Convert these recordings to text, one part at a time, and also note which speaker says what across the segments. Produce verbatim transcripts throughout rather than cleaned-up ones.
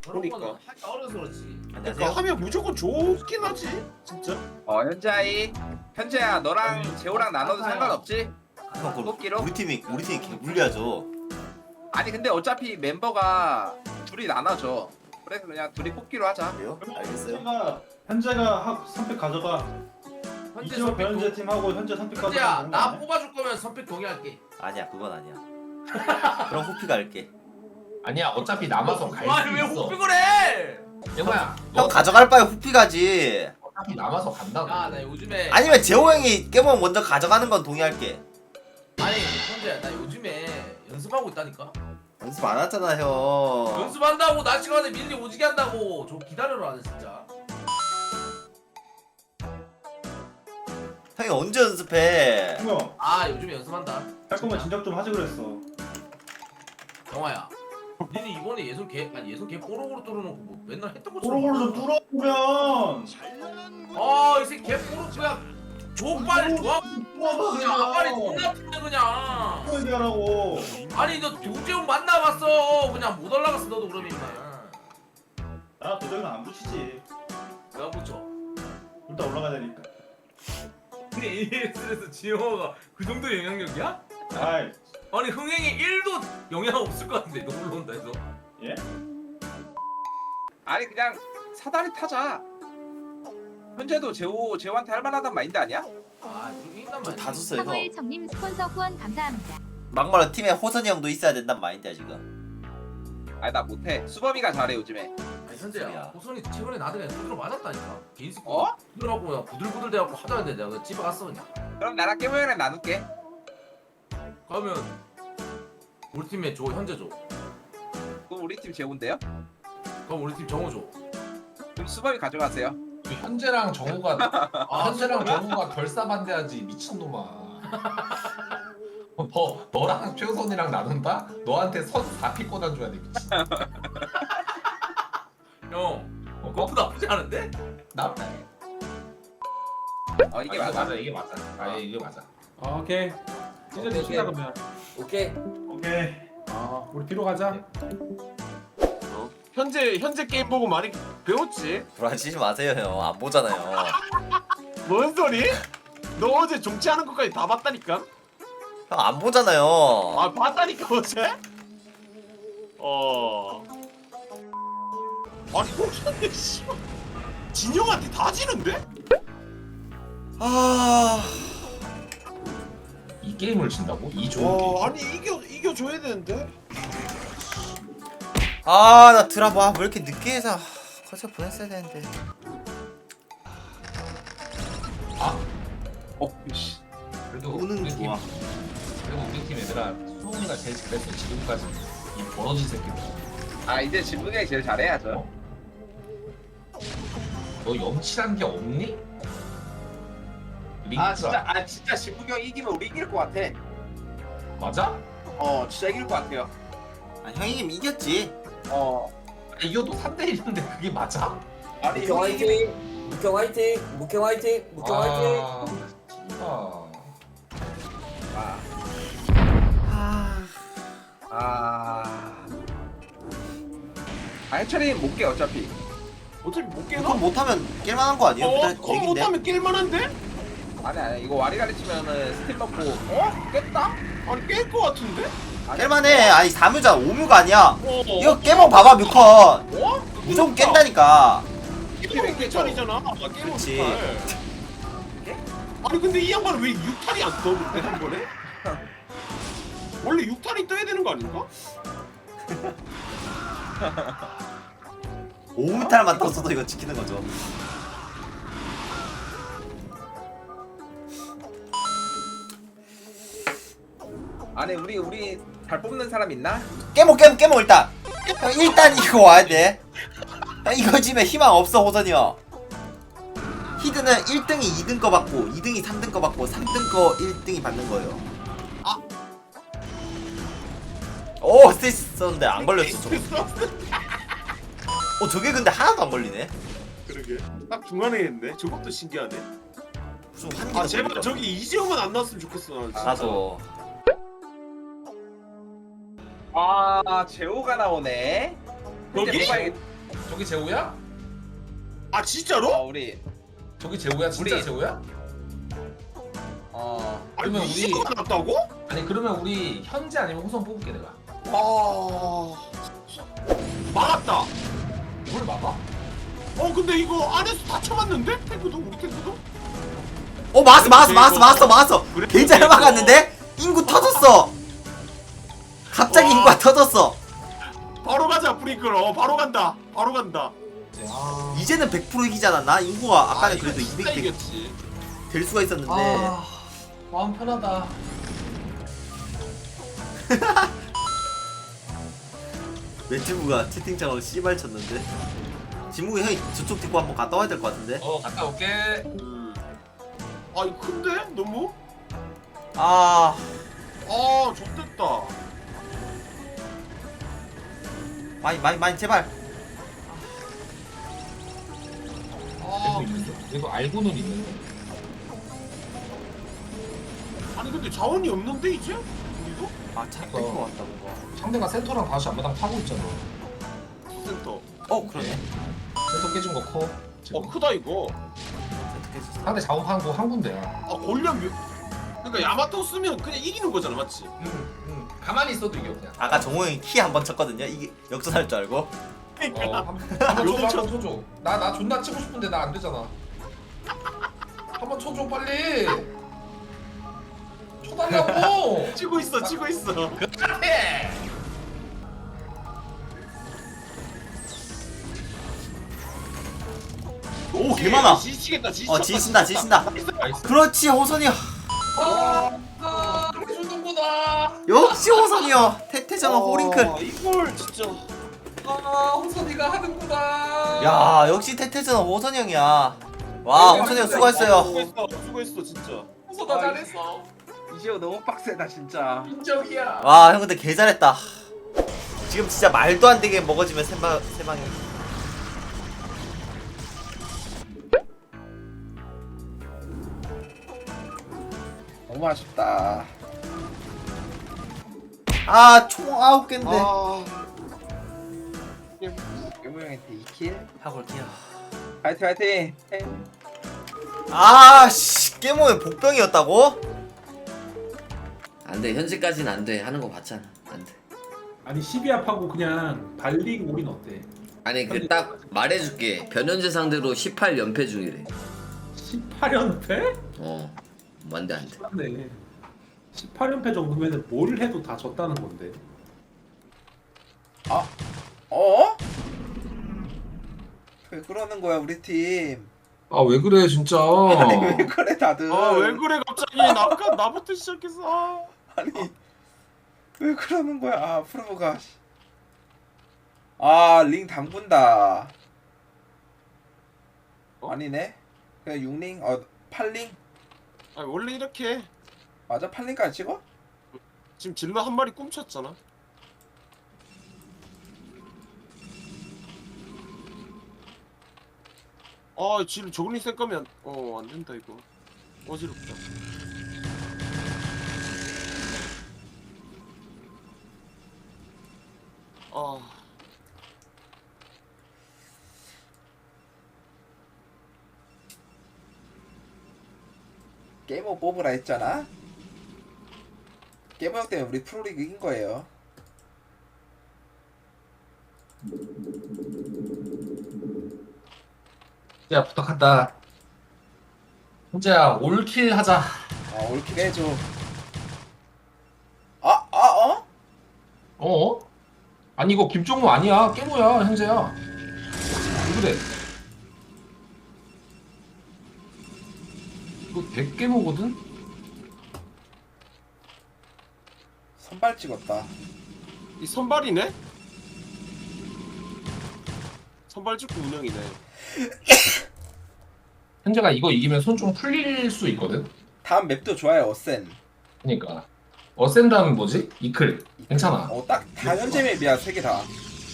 Speaker 1: 저런
Speaker 2: 보니까.
Speaker 1: 거는 하기 어려서 그렇지.
Speaker 2: 그러니까 하면 무조건 좋긴 하지 진짜.
Speaker 3: 어 현자이 현재야 너랑
Speaker 1: 아니,
Speaker 3: 재호랑 나눠도
Speaker 1: 맞아요.
Speaker 3: 상관없지?
Speaker 4: 형 그럼
Speaker 3: 뽑기로?
Speaker 4: 우리 팀이 우리 팀이 개불리하죠.
Speaker 3: 아니 근데 어차피 멤버가 둘이 나눠져. 그래서 그냥 둘이 뽑기로 하자.
Speaker 4: 그래요? 알겠어요.
Speaker 5: 현재가 현재가 하- 선택 가져가.
Speaker 1: 현재
Speaker 5: 이지호
Speaker 1: 선택
Speaker 5: 변현재
Speaker 1: 동...
Speaker 5: 팀하고 현재 선택 가져가.
Speaker 1: 현재야 나 뽑아줄 거면 선택 동의할게.
Speaker 4: 아니야 그건 아니야. 그럼 호피가 할게.
Speaker 6: 아니야 어차피 남아서 갈 수
Speaker 1: 아니 왜
Speaker 6: 있어.
Speaker 1: 호픽을 해?
Speaker 6: 영호야
Speaker 4: 형
Speaker 6: 너
Speaker 4: 가져갈 바에 호피 가지.
Speaker 6: 어차피 남아서 간다고.
Speaker 1: 야나 요즘에
Speaker 4: 아니면 재호 형이 깨먹 먼저 가져가는 건 동의할게.
Speaker 1: 아니 현재 나 요즘에 연습하고 있다니까.
Speaker 4: 연습 안 하잖아 형.
Speaker 1: 연습한다고 낮 시간에 밀리 오지게 한다고. 좀 기다려라 진짜.
Speaker 4: 형이 언제 연습해?
Speaker 5: 형,
Speaker 1: 아 요즘에 연습한다.
Speaker 5: 할 거면 진작 좀 하지 그랬어.
Speaker 1: 영화야. 니네 이번에 예선 개 아니 예선 개 뽀록으로 뚫어놓고 뭐 맨날 했던 것처럼.
Speaker 5: 뽀록으로 좀 뚫어보면.
Speaker 1: 아이 새끼 개 뽀록 그냥 족발 좋아.
Speaker 5: 뚫어봐
Speaker 1: 그냥 아빠리
Speaker 5: 그냥.
Speaker 1: 존나 푸네 그냥.
Speaker 5: 또 얘기하라고.
Speaker 1: 아니 너 도재훈 만나봤어. 그냥 못 올라갔어 너도 그러면 임마.
Speaker 5: 나 도전은 안 붙이지.
Speaker 1: 내가 붙여.
Speaker 5: 일단 올라가야 되니까.
Speaker 1: 근데 이에스에서 지영호가 그 정도 영향력이야?
Speaker 5: 아이,
Speaker 1: 아니 흥행에 일도 영향 없을 것 같은데 너 올라온다 해서.
Speaker 5: 예?
Speaker 3: 아니 그냥 사다리 타자. 현재도 재호 재호한테 할 만하단 마인드 아니야?
Speaker 1: 아 그렇게 있단
Speaker 4: 좀
Speaker 1: 말이야.
Speaker 4: 다 줬어요 형.
Speaker 7: 사무엘 정님 스폰서 후원 감사합니다.
Speaker 4: 막말로 팀에 호선이 형도 있어야 된단 마인드야 지금.
Speaker 3: 아니 나 못해. 수범이가 잘해 요즘에.
Speaker 1: 아니 현재야
Speaker 4: 소리야.
Speaker 1: 호선이 최근에 나한테 그냥 두드러 맞았다니까. 개인 스포.
Speaker 3: 어?
Speaker 1: 두드러갖고 그냥 부들부들 대갖고 하자는데 내가 그냥 집에 갔어 그냥.
Speaker 3: 그럼 나랑 깨모형이랑 나눌게.
Speaker 1: 그러면 우리 팀에 줘 현재 줘.
Speaker 3: 그럼 우리 팀 재호인데요?
Speaker 1: 그럼 우리 팀 정호 줘.
Speaker 3: 그럼 수범이 가져가세요.
Speaker 6: 그 현재랑 정우가
Speaker 1: 아
Speaker 6: 현재랑
Speaker 1: 수범이야?
Speaker 6: 정우가 결사반대하지 미친놈아. 너 너랑 최우선이랑 나눈다? 너한테 선 사 피 꽂아줘야 돼 미친.
Speaker 1: 형.
Speaker 6: 어,
Speaker 1: 그것도 나쁘지 않은데?
Speaker 6: 나
Speaker 3: 어 이게
Speaker 6: 아,
Speaker 3: 맞아.
Speaker 6: 맞아 이게 맞아. 아 이게 맞아.
Speaker 8: 아, 오케이. 진짜 내 친다 그러면.
Speaker 2: 오케이.
Speaker 5: 오케이.
Speaker 8: 아, 우리 뒤로 가자.
Speaker 2: 현재 현재 게임 보고 많이 배웠지.
Speaker 4: 불안치지 마세요 형. 안 보잖아요.
Speaker 2: 뭔 소리? 너 어제 종치하는 것까지 다 봤다니까?
Speaker 4: 형 안 보잖아요.
Speaker 2: 아 봤다니까 어제? 어. 아니 호선이 씨발 진영한테 다 지는데?
Speaker 4: 아.
Speaker 6: 이 게임을 진다고? 이 좋은
Speaker 2: 어
Speaker 6: 게임.
Speaker 2: 아니 이겨 이겨줘야 되는데.
Speaker 4: 아, 나 드라마 왜 이렇게 늦게 해서 커서 보냈어야 되는데.
Speaker 3: 어 씨.
Speaker 6: 그래도
Speaker 4: 오는
Speaker 6: 우리
Speaker 4: 좋아.
Speaker 6: 팀, 그리고 우리 팀 얘들아 수홍이가 제일 잘했어 지금까지. 이 벌어진 새끼들.
Speaker 3: 아 이제 진붕이 제일 잘해야죠.
Speaker 6: 어? 너 염치란 게 없니? 링크가
Speaker 3: 아 진짜 아 진짜 진붕이 형 이기면 우리 이길 것 같아.
Speaker 6: 맞아?
Speaker 3: 어 진짜 이길 것 같아요.
Speaker 4: 아, 형이 이기면 이겼지.
Speaker 3: 어
Speaker 6: 이겨도 삼 대 일인데 그게 맞아?
Speaker 3: 아니
Speaker 9: 묵형
Speaker 3: 형이 이기면
Speaker 9: 화이팅! 묵형 화이팅! 묵형 화이팅! 묵형 화이팅!
Speaker 6: 아, 진짜.
Speaker 3: 아. 아. 아 해철이 못 깨 어차피.
Speaker 2: 어차피 못 깨나?
Speaker 4: 그럼 못하면 깰만한 거 아니에요?
Speaker 2: 어?
Speaker 4: 일단
Speaker 2: 그거
Speaker 4: 얘긴데.
Speaker 2: 못하면 깰만한데?
Speaker 3: 아니 아니 이거 와리가리 치면은 스틸 넣고 어? 깼다?
Speaker 2: 아니 깰 것 같은데?
Speaker 3: 아니,
Speaker 4: 깰만해. 아니 사 뮤잖아. 오 뮤가 아니야.
Speaker 2: 어.
Speaker 4: 이거 깨먹 봐봐 뮤컨.
Speaker 2: 어?
Speaker 4: 무조건 깬다니까.
Speaker 2: 깨면 개천이잖아. 아, 깨면
Speaker 4: 그렇지.
Speaker 2: 아니 근데 이 양반은 왜 육 탈이 안 떠? 그때 한 번에? 원래 육 탈이 떠야 되는 거 아닌가?
Speaker 4: 오 뮤탈만 떴어도 이거 지키는 거죠.
Speaker 3: 아니 우리 우리 잘 뽑는 사람 있나?
Speaker 4: 깨먹 깨먹 깨먹 일단. 형, 일단 이거 와야 돼. 형, 이거 지면 희망 없어 호선이 형. 히드는 일 등이 이 등 거 받고 이 등이 삼 등 거 받고 삼 등 거 일 등이 받는 거예요. 아. 오 스테이스 썼는데 안 걸렸어 저거. 어 저게 근데 하나도 안 걸리네.
Speaker 2: 그러게. 딱 중간에 했네. 저것도 신기하네.
Speaker 4: 무슨 환기가
Speaker 2: 아 제발
Speaker 4: 걸리더라.
Speaker 2: 저기 이지호만 안 나왔으면 좋겠어. 나 진짜.
Speaker 4: 나도.
Speaker 3: 아 재호가 나오네.
Speaker 2: 여기?
Speaker 3: 현재 뽑아야겠-
Speaker 6: 저기 제우야?
Speaker 2: 아 진짜로?
Speaker 3: 어 우리
Speaker 6: 저기 제우야? 진짜
Speaker 3: 우리-
Speaker 6: 제우야?
Speaker 3: 어
Speaker 2: 아니
Speaker 6: 그러면 우리-
Speaker 2: 이십 가 났다고?
Speaker 6: 아니 그러면 우리 현재 아니면 호성 뽑을게 내가.
Speaker 2: 와 막았다.
Speaker 6: 뭘 막아?
Speaker 2: 어 근데 이거 안에서 다 쳐맞는데? 탱크도 우리 탱크도?
Speaker 4: 어 막았어 막았어 막았어 막았어 막았어.
Speaker 2: 그래,
Speaker 4: 개 잘
Speaker 2: 그래,
Speaker 4: 막았는데 인구 터졌어. 갑자기
Speaker 2: 와.
Speaker 4: 인구가 터졌어.
Speaker 2: 바로 가자 프링클. 어 바로 간다. 바로 간다.
Speaker 6: 아,
Speaker 4: 이제는 백 퍼센트 이기지 않았나? 인구가 아까는
Speaker 2: 이거
Speaker 4: 그래도
Speaker 2: 진짜
Speaker 4: 이백
Speaker 2: 이겼지.
Speaker 4: 될 수가 있었는데.
Speaker 6: 아 마음 편하다.
Speaker 4: 멘트부가 채팅창으로 씨발 쳤는데. 진묵이 형이 저쪽 뒷고 한번 갔다 와야 될 것 같은데.
Speaker 6: 어 갔다 올게.
Speaker 2: 음. 아 이거 큰데? 너무?
Speaker 4: 아
Speaker 2: 아 좋댔다.
Speaker 4: 많이 많이 많이 제발.
Speaker 2: 아
Speaker 6: 그래도 있는데? 그래도 알고는 있는데.
Speaker 2: 아니 근데 자원이 없는데 이제? 우리도?
Speaker 4: 아 잡힐 것 같다 뭔가.
Speaker 6: 상대가 센터랑 다시 앞마당 타고 있잖아.
Speaker 2: 센터.
Speaker 4: 어 그러네.
Speaker 6: 센터 깨진 거 커. 지금.
Speaker 2: 어 크다 이거.
Speaker 4: 센터 깨졌어.
Speaker 6: 상대 자원 파는 거 한 군데야.
Speaker 2: 아 골련 묘... 그러니까 야마토 쓰면 그냥 이기는 거잖아 맞지?
Speaker 6: 응, 응. 가만히 있어도 이겨 그냥.
Speaker 4: 아까 정호 형이 키 한 번 쳤거든요. 이게 역전할 줄 알고.
Speaker 6: 어, 한번 쳐줘,
Speaker 2: 요즘 쳐-
Speaker 6: 한번 쳐줘. 나, 나 존나 치고 싶은데 나 안 되잖아. 한번 쳐줘 빨리. 쳐달라고.
Speaker 2: 치고 있어 치고 있어.
Speaker 6: 해.
Speaker 2: 오
Speaker 4: 개 많아.
Speaker 2: 지치겠다 지치.
Speaker 4: 어 지친다 지친다.
Speaker 6: 나이스.
Speaker 4: 그렇지 호선이 형.
Speaker 6: 아, 아, 주는구나.
Speaker 4: 역시 호선이 형. 태태전은
Speaker 2: 어,
Speaker 4: 호링클.
Speaker 2: 이걸 진짜.
Speaker 6: 아, 호선이가 하는구나.
Speaker 4: 야 역시 태태전은 호선이 형이야. 와 호선이 형 수고했어요.
Speaker 2: 수고했어 수고했어 진짜.
Speaker 6: 호선아 잘했어.
Speaker 3: 이시오 너무 빡세다 진짜.
Speaker 6: 인정이야.
Speaker 4: 와 형 근데 개 잘했다. 지금 진짜 말도 안 되게 먹어지면 세방 세방이.
Speaker 3: 너무 아쉽다.
Speaker 4: 아총 아홉 개인데.
Speaker 2: 아.
Speaker 3: 괴물 형한테 이 킬.
Speaker 4: 하고 올게요.
Speaker 3: 파이팅 파이팅.
Speaker 4: 아씨 깨모의 복병이었다고?
Speaker 9: 안돼 현재까지는 안돼 하는 거 봤잖아. 안돼.
Speaker 8: 아니 십이 합하고 그냥 발링 우린 어때?
Speaker 9: 아니 그 딱 말해줄게. 변현재 상대로 십팔 연패 중이래.
Speaker 8: 십팔 연패?
Speaker 9: 어. 안돼 안돼.
Speaker 8: 네. 십팔 연패 정도면 뭘 해도 다 졌다는 건데.
Speaker 3: 어? 왜 그러는 거야 우리 팀?
Speaker 6: 아 왜 그래 진짜.
Speaker 3: 아니 왜 그래 다들?
Speaker 2: 아 왜 그래 갑자기 나까 나부터 시작해서. 아.
Speaker 3: 아니 왜 그러는 거야? 아 프로가. 아링 담근다.
Speaker 2: 어?
Speaker 3: 아니네. 그냥 육 링, 어 팔 링
Speaker 2: 아 원래 이렇게 해.
Speaker 3: 맞아 팔 링까지 찍어?
Speaker 2: 지금 질러 한 마리 꿈쳤잖아. 아 지금 저글링 센 거면 어 안된다 이거. 어지럽다. 아
Speaker 3: 게이머 뽑으라 했잖아. 게이머 형 때문에 우리 프로리그 이긴 거예요.
Speaker 6: 야 부탁한다. 혼자야 올킬 하자.
Speaker 3: 아 올킬 해줘. 아, 아, 어?
Speaker 6: 어? 아니 이거 김종무 아니야. 깨모야 현재야. 왜 그래? 이거 백깨모거든?
Speaker 3: 선발 찍었다.
Speaker 2: 이 선발이네? 선발 찍고 운영이네.
Speaker 6: 현재가 이거 이기면 손 좀 풀릴 수 있거든?
Speaker 3: 다음 맵도 좋아요, 어센.
Speaker 6: 그니까 어센다는 뭐지? 이클 괜찮아.
Speaker 3: 어, 딱 다 현재 맵이야, 세 개 다.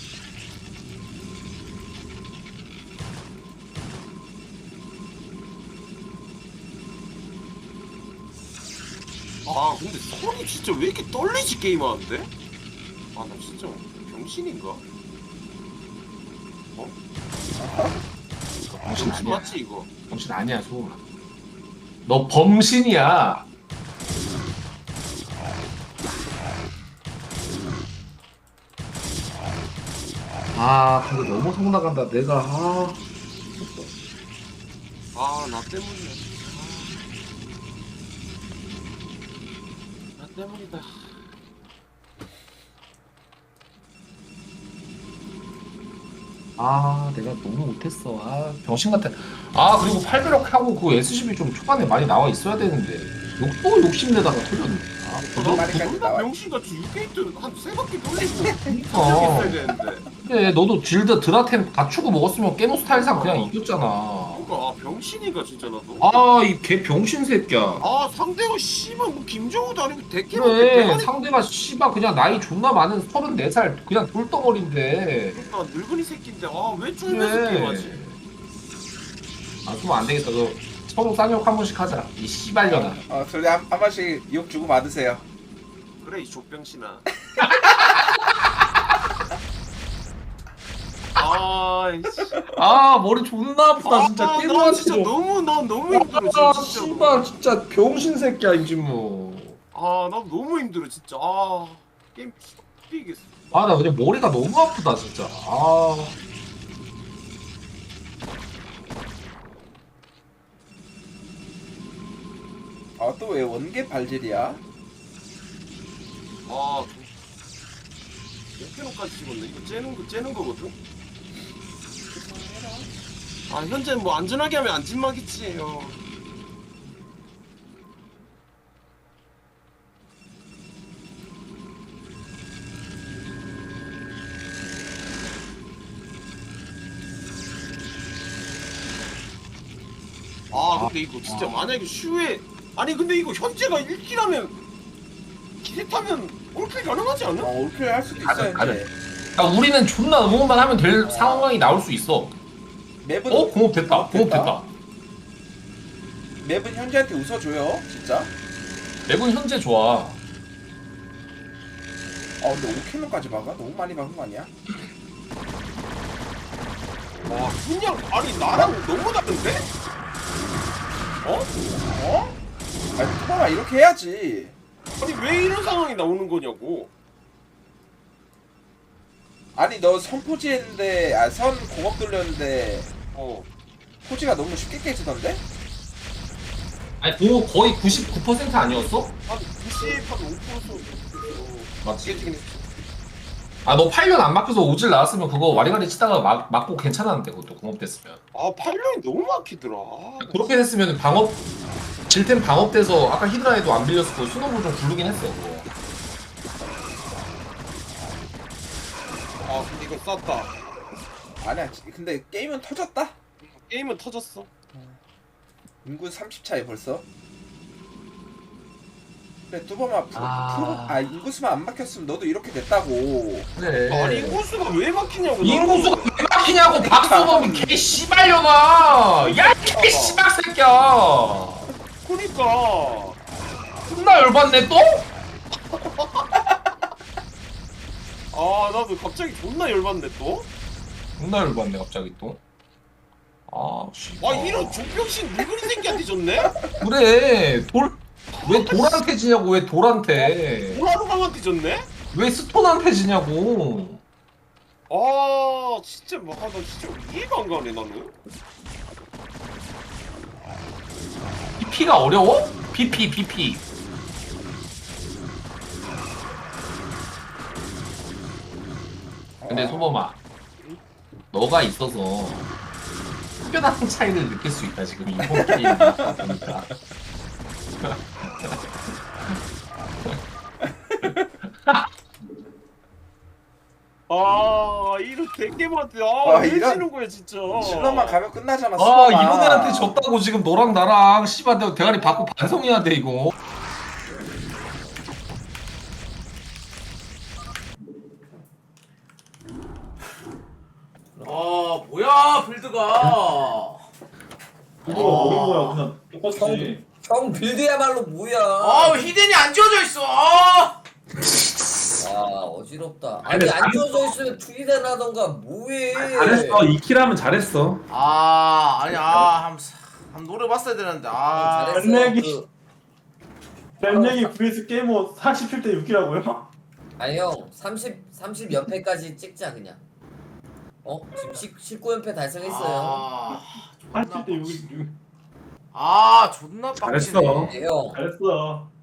Speaker 2: 아 근데 손이 진짜 왜 이렇게 떨리지 게임하는데? 아 나 진짜 병신인가? 어?
Speaker 6: 정신
Speaker 2: 정신
Speaker 6: 아니야.
Speaker 2: 맞지 이거?
Speaker 6: 정신 아니야 소음아. 너 범신이야. 아 근데 너무 성 나간다 내가. 아.
Speaker 2: 아 나 때문이야. 나 때문이다.
Speaker 6: 아 내가 너무 못했어. 아 병신 같아. 아 그리고 팔백억 하고 그 에스씨비 좀 초반에 많이 나와 있어야 되는데 욕도 욕심내다가 털렸네. 아
Speaker 3: 그거 많이까지
Speaker 2: 존나
Speaker 3: 나와.
Speaker 2: 병신같이 육 게이트 한 세 바퀴 돌리고
Speaker 6: 어.
Speaker 2: 있어야 되는데.
Speaker 6: 그래 너도 질드 드라템 갖추고 먹었으면 깨노 스타일상 그냥 이겼잖아.
Speaker 2: 그러니까 아 병신이가 진짜 나도.
Speaker 6: 아 이 개 병신 새끼야.
Speaker 2: 아 상대가 씨발 뭐 김정우도 아니고 대캐로
Speaker 6: 그래 상대가 씨발 그냥 나이 존나 많은 서른네 살 그냥 돌덩어리인데.
Speaker 2: 그러니까 늙은이 새끼인데 아왜
Speaker 6: 그래.
Speaker 2: 쫄면서 게임하지?
Speaker 6: 아 그럼 안 되겠다. 너 서로 쌍욕 한 번씩 하자. 이 씨발년아.
Speaker 3: 어, 저기 한, 한 번씩 욕 주고 받으세요.
Speaker 2: 그래 이 족병신아. 아이씨.
Speaker 6: 아 머리 존나 아프다 진짜.
Speaker 2: 아, 나 진짜 너무 나 너무 힘들어
Speaker 6: 아
Speaker 2: 진짜. 진짜.
Speaker 6: 씨발 진짜 병신 새끼야 임진무.
Speaker 2: 아, 나 너무 힘들어 진짜. 아, 게임 피겠어.
Speaker 6: 아 나 그냥 머리가 너무 아프다 진짜. 아.
Speaker 3: 아, 또 왜 원개 발질이야?
Speaker 2: 아, 몇 킬로까지 찍었네. 이거 째는 거 째는 거거든. 아, 현재 뭐 안전하게 하면 안 찐막이지. 어. 아 근데 이거 진짜 만약에 슈에 아니 근데 이거 현재가 일 킬하면 기세 타면 올킬 가능하지 않나?
Speaker 3: 어, 올킬 할 수도
Speaker 6: 가능,
Speaker 3: 있어,
Speaker 6: 가능.
Speaker 3: 이제.
Speaker 6: 야 우리는 존나 응원만 하면 될 상황이 나올 수 있어.
Speaker 3: 맵은,
Speaker 6: 어? 공업 됐다. 공업 됐다.
Speaker 3: 맵은 현재한테 웃어줘요, 진짜.
Speaker 6: 맵은 현재 좋아.
Speaker 3: 아, 근데 오 킬로까지 박아? 너무 많이 박은 거 아니야?
Speaker 2: 와 그냥 아니 나랑 너무 다른데? 어?
Speaker 3: 어? 아니, 투바가 이렇게 해야지.
Speaker 2: 아니 왜 이런 상황이 나오는 거냐고.
Speaker 3: 아니, 너 선 포지했는데, 아, 선 공업 돌렸는데,
Speaker 2: 어.
Speaker 3: 포지가 너무 쉽게 깨지던데?
Speaker 6: 아니 뭐 거의 구십구 퍼센트 아니었어?
Speaker 2: 한 구십, 한 오 퍼센트
Speaker 6: 맞지?
Speaker 2: 깨지긴 했어.
Speaker 6: 아 너 팔 년 안 막혀서 오질 나왔으면 그거 와리가리 치다가 막, 맞고 괜찮았는데 그것도 공업됐으면.
Speaker 2: 아 팔 년이 너무 막히더라. 아,
Speaker 6: 그렇게 됐으면 방업 질템 방업돼서 아까 히드라에도 안 빌렸을 거 수노브 좀 굴르긴 했어 그거.
Speaker 2: 아 근데 이거 쌌다.
Speaker 3: 아니야, 근데 게임은 터졌다?
Speaker 2: 게임은 터졌어.
Speaker 3: 인구 삼십 차이 벌써. 그래, 뚜범아, 프로,
Speaker 6: 아.
Speaker 3: 프로, 아, 인구수만 안 막혔으면 너도 이렇게 됐다고.
Speaker 6: 그래.
Speaker 2: 아니 인구수가 왜 막히냐고.
Speaker 6: 인구수가 왜 막히냐고 박수범이 개 씨발려나. 야개 씨발 새끼야.
Speaker 2: 그니까.
Speaker 6: 존나 열받네 또?
Speaker 2: 아 나도 갑자기 존나 열받네 또.
Speaker 6: 존나 열받네 갑자기 또. 아 씨발.
Speaker 2: 와 이런 족병신 늙은이 새끼한테 졌네?
Speaker 6: 그래 돌 왜 돌한테 지냐고. 왜 돌한테
Speaker 2: 오라루강한테 졌네?
Speaker 6: 왜 스톤한테 지냐고.
Speaker 2: 아 진짜 막 나 진짜 이해가 안 가네 나는.
Speaker 6: 비피가 어려워? 비피 비피. 근데 소범아 너가 있어서 특별한 차이를 느낄 수 있다 지금 이번 게임 보니까.
Speaker 2: 아 이런 대게한테
Speaker 3: 와,
Speaker 2: 아왜
Speaker 3: 이런-
Speaker 2: 지는 거야 진짜.
Speaker 3: 신호만 가면 끝나잖아,
Speaker 6: 아
Speaker 3: 수범아.
Speaker 6: 이런 애한테 졌다고 지금 너랑 나랑 씨발 내가 대가리 받고 반성해야 돼 이거.
Speaker 1: 아 뭐야 빌드가.
Speaker 5: 이거 모르는 거야 그냥 똑같이.
Speaker 9: 형 빌드야말로 뭐야?
Speaker 1: 아 왜 히덴이 안 지워져 있어. 아.
Speaker 9: 와 어지럽다.
Speaker 8: 아니,
Speaker 9: 아니 안 주워져 있으면 투기대 나던가 뭐해.
Speaker 8: 잘했어. 이 킬 하면 잘했어.
Speaker 1: 아 아니 아 한번 한번 노려봤어야 되는데 아
Speaker 9: 잘했어.
Speaker 5: benleg이.
Speaker 9: 그,
Speaker 5: 벤랭이 vs 게이머 사십칠 대 육이라고요?
Speaker 9: 아니 형 삼십 삼십 연패까지 찍자 그냥. 어 지금 십, 십구 연패 달성했어요.
Speaker 1: 아 존나
Speaker 5: 사십칠 대
Speaker 1: 빡치-
Speaker 5: 육이
Speaker 1: 아 존나
Speaker 8: 잘했어.
Speaker 1: 빡치네
Speaker 9: 네, 형
Speaker 5: 잘했어.